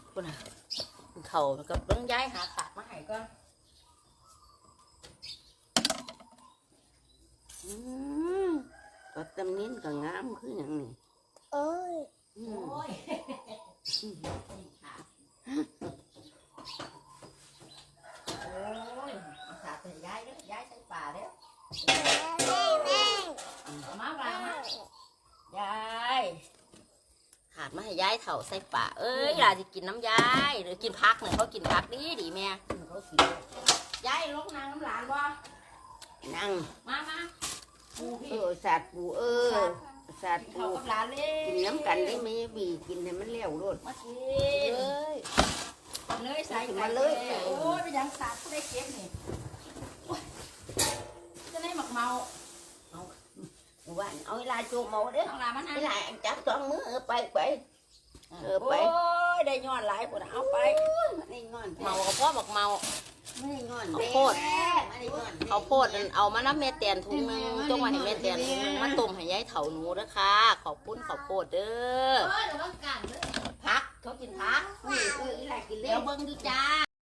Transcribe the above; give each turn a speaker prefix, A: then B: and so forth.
A: คุณน่ะเขาก็ต้องย้ายหาตัดมาให้ก่อน
B: ก็ตำนิ้นก็งามคืออย่างนี้
A: โอ้ยเอาขาไปย้ายเด้อย้ายใส่ป่าเด้อมาบ้างยายขาดมาให้ยายเถ่าใส่ป่าเอ้ยหลานจะกินน้ำยายหรือกินพักเนี่ยเขากินพักดีแม่เขากินยายลกนางน้ำหลานบ่
B: นั่ง
A: มาปูพี่
B: สัตว์ปูสัตว์ปู
A: กับหลานเลย
B: กินน้ำกันได้ไหมบีกินให้มันเลี้ยวรด
A: มากินเลยใส่มาเลย โอ้ยไปยังสัตว์ได้เก็บนี่จะได้หมักเมา
B: ว่าเอาลายโจมเอาเด้อ
A: เอาลามัน
B: ลายจับสองมือไปไป
A: โอ้ยได้ย้อนหลายคนเอาไป
B: ไม่งอน
A: เมากับพ่อหมักเมา
B: ไม่งอน
A: เอาโพดเอาโพดเอามาน้ำเม็ดเตียนถุงนึงจงมาให้เม็ดเตียนถุงนึงมาต้มให้ยายเถาหนูด้วยค่ะขอบคุณขอบโพดเด้อพักเขากินพัก
B: ลายกินเลี้
A: เดี๋
B: ย
A: ยว วเบิ่งดูจ้า